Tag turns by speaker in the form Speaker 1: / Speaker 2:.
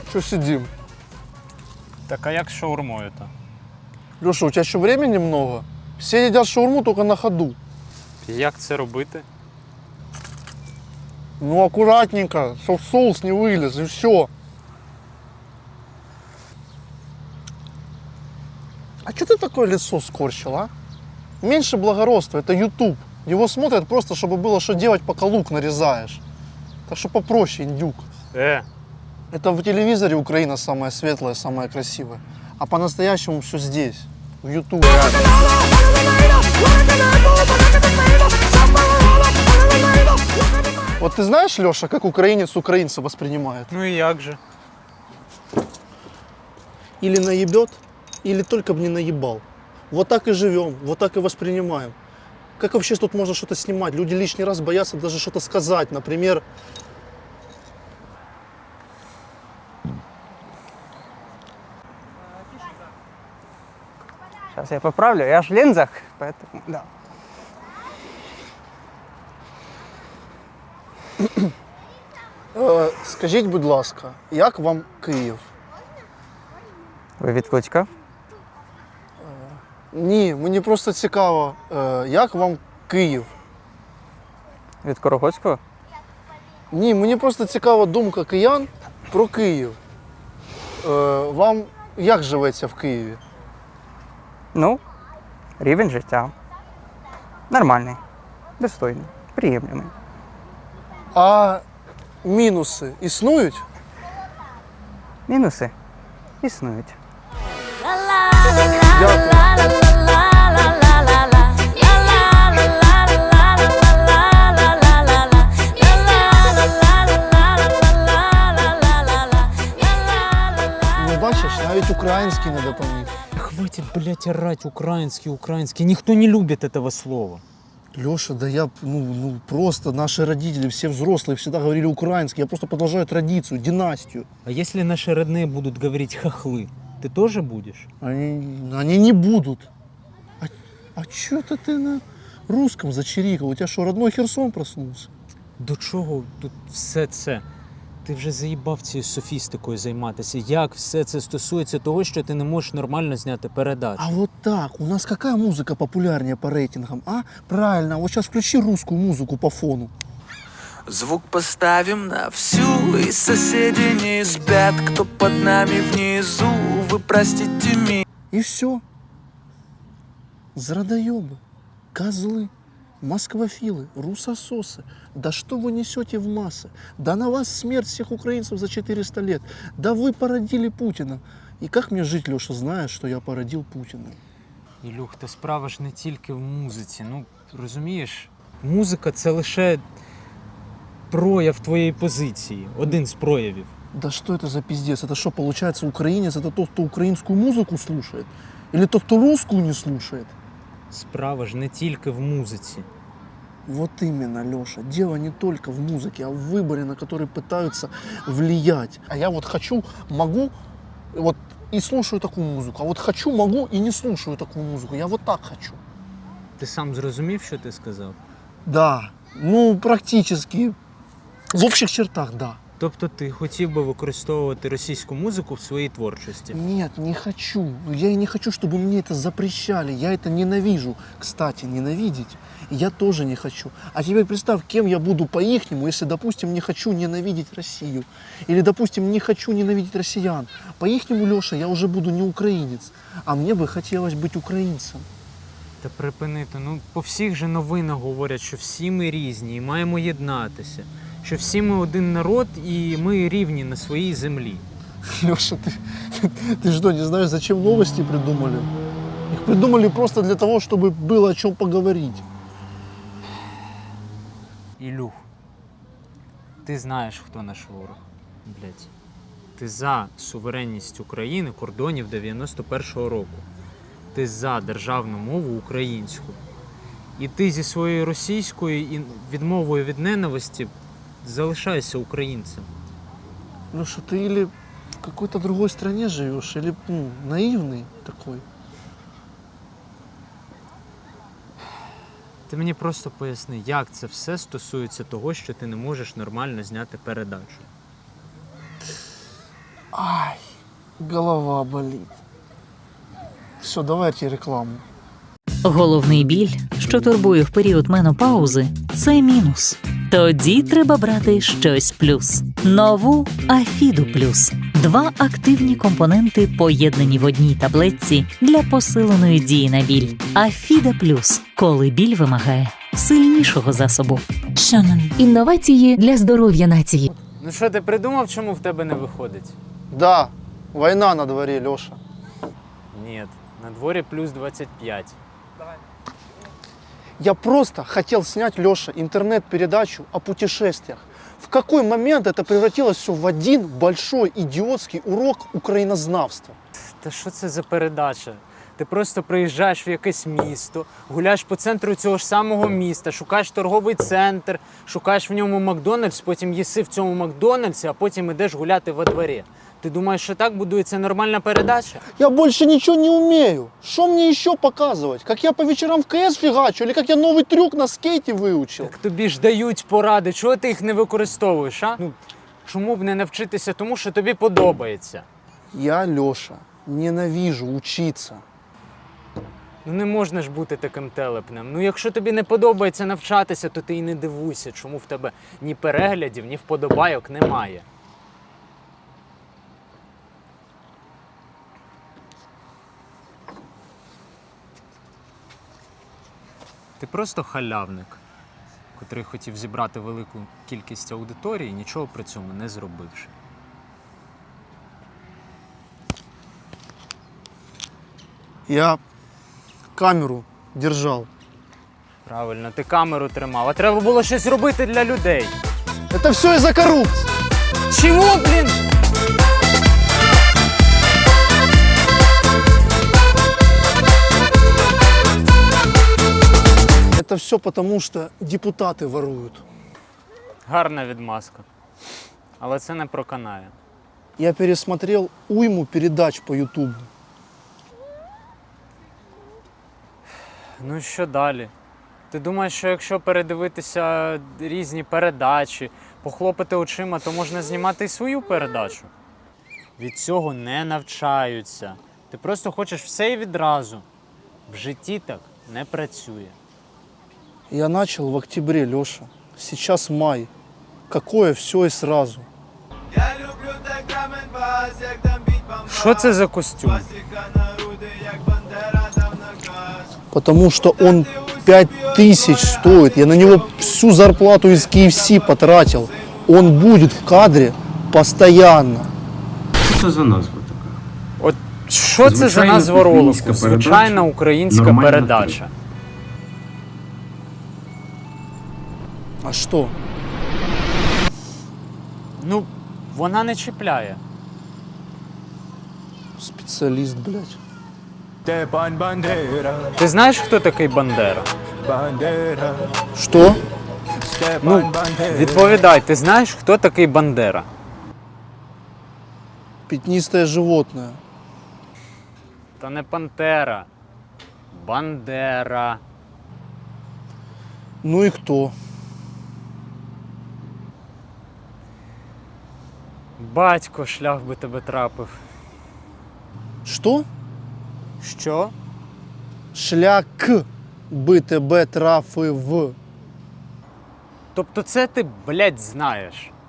Speaker 1: Что сидим?
Speaker 2: Так а як з шаурмою-то?
Speaker 1: Леша, у тебя еще времени много? Все едят шаурму только на ходу.
Speaker 2: Як це робити?
Speaker 1: Ну, аккуратненько, чтоб соус не вылез, и все. А что ты такое лицо скорчил, а? Меньше благородства, это YouTube. Его смотрят просто, чтобы было что делать, пока лук нарезаешь. Так что попроще, индюк. Это в телевизоре Украина самая светлая, самая красивая. А по-настоящему все здесь, в YouTube. Вот ты знаешь, Леша, как украинец украинца воспринимает?
Speaker 2: Ну і як же?
Speaker 1: Или наебет, или только бы не наебал. Вот так и живем, вот так и воспринимаем. Как вообще тут можно что-то снимать? Люди лишний раз боятся даже что-то сказать. Например,
Speaker 3: Сейчас я поправлю, я ж в линзах, поэтому да.
Speaker 1: скажіть, будь ласка, як вам Київ?
Speaker 3: Ви від Кличка?
Speaker 1: Ні, мені просто цікаво, як вам Київ?
Speaker 3: Від Корогоцького?
Speaker 1: Ні, мені просто цікава думка киян про Київ. Вам як живеться в Києві?
Speaker 3: Ну, рівень життя. Нормальний, достойний, приємний.
Speaker 1: А мінуси існують?
Speaker 3: Мінуси існують.
Speaker 1: Дякую. Ну, бачиш, навіть український не допоміг.
Speaker 2: Хватит, блядь, орать украинский. Никто не любит этого слова.
Speaker 1: Леша, да я, просто наши родители, все взрослые, всегда говорили украинский. Я просто продолжаю традицию, династию.
Speaker 2: А если наши родные будут говорить хохлы, ты тоже будешь?
Speaker 1: Они не будут. А что это ты на русском зачирикал? У тебя что, родной Херсон проснулся?
Speaker 2: До чого тут все це? Ти вже заїбав цією софістикою займатися. Як все це стосується того, що ти не можеш нормально зняти передачу?
Speaker 1: А вот так, у нас какая музыка популярнее по рейтингам, а? Правильно, вот сейчас включи русскую музыку по фону.
Speaker 4: Звук поставим на всю, и соседи не спят. Кто под нами внизу, вы простите меня.
Speaker 1: И все. Зрадоебы, козлы, москвофилы, русососы. Да что вы несете в массы? Да на вас смерть всех украинцев за 400 лет. Да вы породили Путина. И как мне жить, Леша, зная, что я породил Путина?
Speaker 2: Ілюх, та справа ж не тільки в музиці. Ну, розумієш, музика – це лише прояв твоєї позиції. Один з проявів.
Speaker 1: Да что это за пиздец? Это что, получается, украинец это тот, кто украинскую музыку слушает? Или тот, кто русскую не слушает?
Speaker 2: Справа ж не тільки в музиці.
Speaker 1: Вот именно, Леша. Дело не только в музыке, а в выборе, на который пытаются влиять. А я вот хочу, могу, вот и слушаю такую музыку. А вот хочу, могу и не слушаю такую музыку. Я вот так хочу.
Speaker 2: Ти сам зрозумів, що ти сказав?
Speaker 1: Да, практически. В общих чертах, да.
Speaker 2: Тобто ти хотів би використовувати російську музику в своїй творчості?
Speaker 1: Нет, не хочу. Я и не хочу, чтобы мне это запрещали. Я это ненавижу. Кстати, ненавидеть я тоже не хочу. А теперь представь, кем я буду по-ихнему, если, допустим, не хочу ненавидеть Россию. Или, допустим, не хочу ненавидеть россиян. По-ихнему, Леша, я уже буду не украинец. А мне бы хотелось быть украинцем.
Speaker 2: Та припинити, по всіх же новинах говорять, що всі ми різні і маємо єднатися. Що всі ми один народ і ми рівні на своїй землі.
Speaker 1: Леша, ты что, не знаешь, зачем новости придумали? Их придумали просто для того, чтобы было о чем поговорить.
Speaker 2: Ілюх, ти знаєш, хто наш ворог, блядь. Ти за суверенність України кордонів 91-го року. Ти за державну мову українську. І ти зі своєю російською і відмовою від ненависті залишайся українцем.
Speaker 1: Леша, ты или в какой-то другой стране живешь, или наивный такой.
Speaker 2: Ти мені просто поясни, як це все стосується того, що ти не можеш нормально зняти передачу.
Speaker 1: Ай, голова болит. Все, давайте рекламу.
Speaker 5: Головний біль, що турбує в період менопаузи, це мінус. Тоді треба брати щось плюс. Нову Афіду Плюс. 2 активні компоненти поєднані в одній таблетці для посиленої дії на біль. Афіда Плюс. Коли біль вимагає сильнішого засобу.
Speaker 6: Шанон. Інновації для здоров'я нації.
Speaker 2: Ну що, ти придумав, чому в тебе не виходить?
Speaker 1: Да, война на дворе, Леша.
Speaker 2: Ні, на дворі плюс 25.
Speaker 1: Я просто хотел снять, Леша, интернет-передачу о путешествиях. В какой момент это превратилось все в один большой идиотский урок украинознавства?
Speaker 2: Та що це за передача? Ти просто приїжджаєш в якесь місто, гуляєш по центру цього ж самого міста, шукаєш торговий центр, шукаєш в ньому Макдональдс, потім їси в цьому Макдональдсі, а потім ідеш гуляти во дворі. Ти думаєш, що так будується нормальна передача?
Speaker 1: Я больше ничего не умею. Что мне еще показывать? Как я по вечерам в КС фигачу? Или как я новый трюк на скейте выучил?
Speaker 2: Так тобі ж дають поради, чого ти їх не використовуєш, а? Ну, чому б не навчитися тому, що тобі подобається?
Speaker 1: Я, Леша, ненавижу учиться.
Speaker 2: Ну не можна ж бути таким телепнем. Ну якщо тобі не подобається навчатися, то ти і не дивуйся, чому в тебе ні переглядів, ні вподобайок немає. Ти просто халявник, котрий хотів зібрати велику кількість аудиторії, нічого при цьому не зробивши.
Speaker 1: Я камеру держал.
Speaker 2: Правильно, ти камеру тримав, а треба було щось робити для людей.
Speaker 1: Это все из-за коррупции.
Speaker 2: Чого, блін?
Speaker 1: Это все потому, что депутаты воруют.
Speaker 2: Гарна відмазка. Але це не проканає.
Speaker 1: Я пересмотрел уйму передач по Ютубу.
Speaker 2: Ну і що далі? Ти думаєш, що якщо передивитися різні передачі, похлопати очима, то можна знімати і свою передачу? Від цього не навчаються. Ти просто хочеш все і відразу. В житті так не працює.
Speaker 1: Я начал в октябре, Леша. Сейчас май. Какое все и сразу.
Speaker 2: Що це за костюм?
Speaker 1: Потому что он 5000 стоит. Я на него всю зарплату из KFC потратил. Он будет в кадре постоянно.
Speaker 7: Що це за назва така?
Speaker 2: От що це за
Speaker 7: Звичайна
Speaker 2: назва ролику?
Speaker 7: українська
Speaker 2: Звичайна
Speaker 7: передача,
Speaker 2: українська
Speaker 7: нормальна
Speaker 2: передача.
Speaker 1: А что?
Speaker 2: Ну, вона не чіпляє.
Speaker 1: Специалист, блядь.
Speaker 8: Степан Бандера,
Speaker 2: Ти знаєш, хто такий Бандера?
Speaker 8: Бандера,
Speaker 1: Что?
Speaker 8: Степан
Speaker 2: Ну,
Speaker 8: Бандера.
Speaker 2: відповідай, ти знаєш, хто такий Бандера?
Speaker 1: Пятнистое животное.
Speaker 2: Та не Пантера. Бандера.
Speaker 1: Ну и кто?
Speaker 2: Батько, шлях би тебе трапив.
Speaker 1: Что?
Speaker 2: Що?
Speaker 1: Шлях бы тебе трафив.
Speaker 2: Тобто це ти, блядь, знаєш.